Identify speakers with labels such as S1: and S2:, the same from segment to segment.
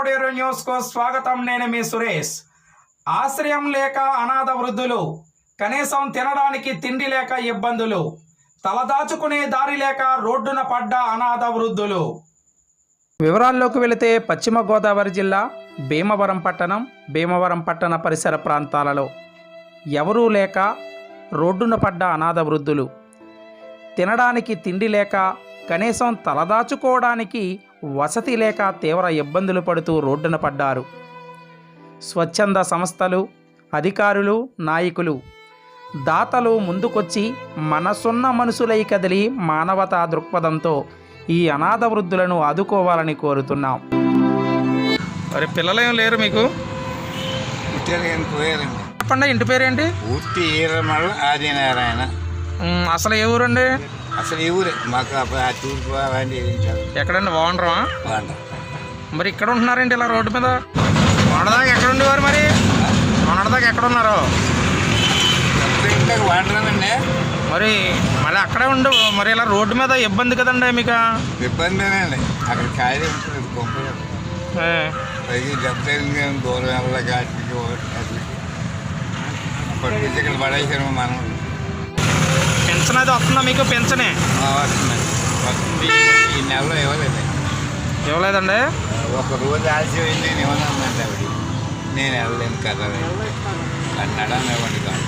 S1: Koderu news కు స్వాగతం. నేను మీ సురేష్. ఆశ్రయం లేక అనాథ వృద్ధులు, కనీసం తినడానికి తిండి లేక ఇబ్బందులు, తలదాచుకునే దారి లేక రోడ్డున పడ్డ అనాథ వృద్ధులు. వివరాల్లోకి వెళితే పశ్చిమ గోదావరి జిల్లా భీమవరం పట్టణ పరిసర ప్రాంతాలలో ఎవరూ లేక రోడ్డున పడ్డ అనాథ వృద్ధులు, తినడానికి తిండి లేక కనీసం తలదాచుకోవడానికి వసతి లేక తీవ్ర ఇబ్బందులు పడుతూ రోడ్డున పడ్డారు. స్వచ్ఛంద సంస్థలు, అధికారులు, నాయకులు, దాతలు ముందుకొచ్చి మనసున్న మనుషులై కదిలి మానవతా దృక్పథంతో ఈ అనాథ వృద్ధులను ఆదుకోవాలని కోరుతున్నాం. మరి పిల్లలేం లేరు మీకు? చెప్పండి, ఇంటి పేరేంటి?
S2: పూర్తి ఈరమల్ల ఆదినారాయణ.
S1: అసలు ఏ ఊరండి?
S2: అసలు ఈ ఊరే మాకు తూర్పు అలాంటి
S1: ఎక్కడండి? బాగుండరా? మరి ఇక్కడ ఉంటున్నారేంటి ఇలా రోడ్డు మీద? మొన్నదాకా ఎక్కడ ఉండేవారు? మరి మొన్నదాకా ఎక్కడ ఉన్నారు?
S2: వాడరానండి.
S1: మరి మళ్ళీ అక్కడే ఉండు. మరి ఇలా రోడ్డు మీద ఇబ్బంది కదండి మీకు?
S2: ఇబ్బందేనండి. అక్కడ ఖాళీ ఉంటుంది కొంపలు, పైకి దెబ్బతింది దూరం వెళ్ళక పట్టుకొచ్చి ఇక్కడ పడేసాము మనం.
S1: పెన్షన్ అది వస్తుందా మీకు? పెన్షనే
S2: వస్తుంది. ఈ నెలలో
S1: ఇవ్వలేదండి.
S2: ఒక రోజు ఆలస్యమైంది నేను ఇవ్వనండి. ఆవిడ నేను వెళ్ళలేను కదా అన్నాడని ఇవ్వండి కాదు.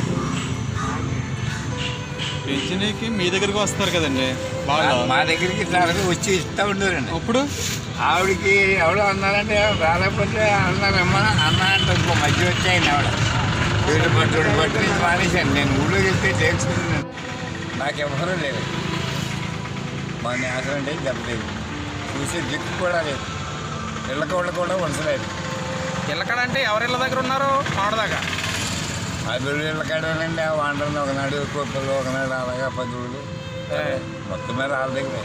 S3: పెన్షన్కి మీ దగ్గరికి వస్తారు కదండి,
S2: మా దగ్గరికి ఇట్లా వచ్చి ఇస్తూ ఉండేవారండి.
S3: ఇప్పుడు
S2: ఆవిడకి ఎవడో అన్నారంటే రాలేకపోతే అన్నారమ్మా అన్న అంటే ఇంకో మధ్య వచ్చాయండి. ఆవిడ వీడు పట్టు నుంచి మానేశాను. నేను ఊళ్ళోకి వెళ్తే తెలుసుకున్నాను. నాకు ఎవరూ లేదు. మా నేసం అంటే చెప్పలేదు. చూసే దిక్కు కూడా లేదు. ఇళ్ళకోళ్ళు కూడా ఉంచలేదు.
S1: ఇళ్ళకాడంటే ఎవరి ఇళ్ళ దగ్గర ఉన్నారు? ఆడదాకా
S2: అభివృద్ధి ఇళ్ళకాడేనండి. ఆ వంటలు ఒకనాడు కుప్పలు, ఒకనాడు అలాగా 10 రోజులు మొత్తం మీద వాళ్ళ దగ్గరే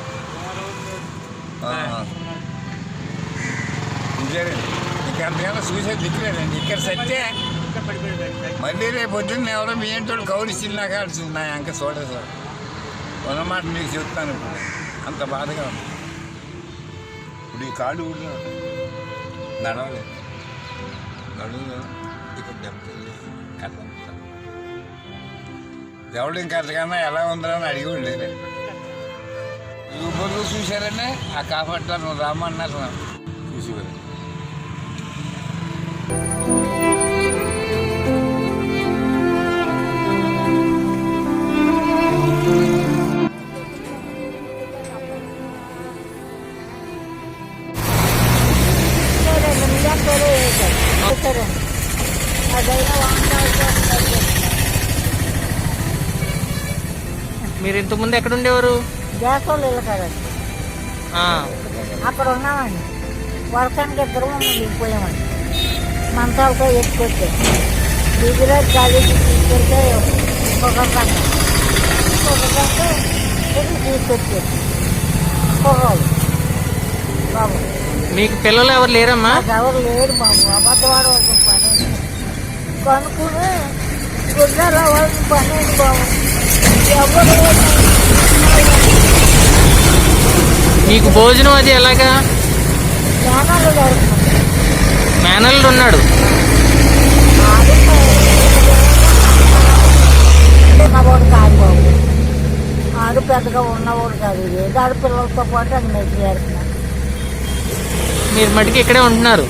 S2: చూసారండి. ఇంకా అంతకన్నా చూసే దిక్కులేదండి. ఇక్కడ సత్తే మళ్ళీ రేపు పొద్దున్న ఎవరో మీ ఏంటో కౌరిస్తుంది. నాకు ఆడుతుంది. నా ఇంకా చూడలేదు సార్. ఉన్నమాట మీకు చెప్తాను. ఇప్పుడు అంత బాధగా ఉంది. ఇప్పుడు ఈ కాళ్ళు ఊళ్ళో నడవలేదు. నడువులేదు. ఇక్కడ దెబ్బతింది. కట్టం ఎవడు ఇంకా అంతకన్నా ఎలా ఉందని అడిగి ఉండేది. యూబర్లు చూశారండి. ఆ కాపాడతారు రామన్నారు చూసేవారు.
S1: మీరు ఇంతకుముందు ఎక్కడ ఉండేవారు?
S4: గ్యాస్ వాళ్ళు వెళ్ళకారండి. అక్కడ ఉన్నామండి. వర్షానికి ఇద్దరు దిగిపోయామండి. మంచాలతో ఎత్తుకొచ్చాం. దిగులో కాలేజీ తీసుకెళ్తే ఒక గంట తీసుకొచ్చారు. పొగలు బాబు.
S1: మీకు పిల్లలు ఎవరు లేరమ్మా?
S4: ఎవరు లేరు బాబు. అబద్ధవాడు వాళ్ళకి పని కనుక్కుని గుడ్డల వాళ్ళకి పని బాబు. ఎవరు
S1: మీకు భోజనం అది ఎలాగా?
S4: జ్ఞానాలు జరుగుతుంది.
S1: మేనల్లుడు ఉన్నాడు.
S4: ఉన్నవాడు కాదు బాబు. ఆడు పెద్దగా ఉన్నవాడు కాదు. ఏదో ఆడు పిల్లలతో పాటు అది మెచ్చి చేస్తున్నాడు.
S1: మీరు మటుకు ఇక్కడే ఉంటున్నారు.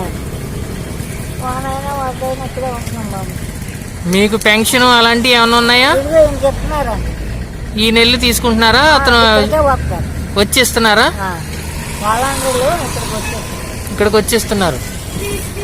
S4: వానైనా వాడైనా ఇక్కడే ఉంటున్నాం బాబు.
S1: మీకు పెన్షన్ అలాంటివి ఏమైనా ఉన్నాయా?
S4: ఇదిగో ఏం చెప్తున్నారండి.
S1: ఈ నెల్లు తీసుకుంటున్నారా? అతను
S4: వస్తారు.
S1: వచ్చిస్తున్నారా?
S4: వాళ్ళందరూ ఇక్కడికి
S1: వచ్చేస్తున్నారు.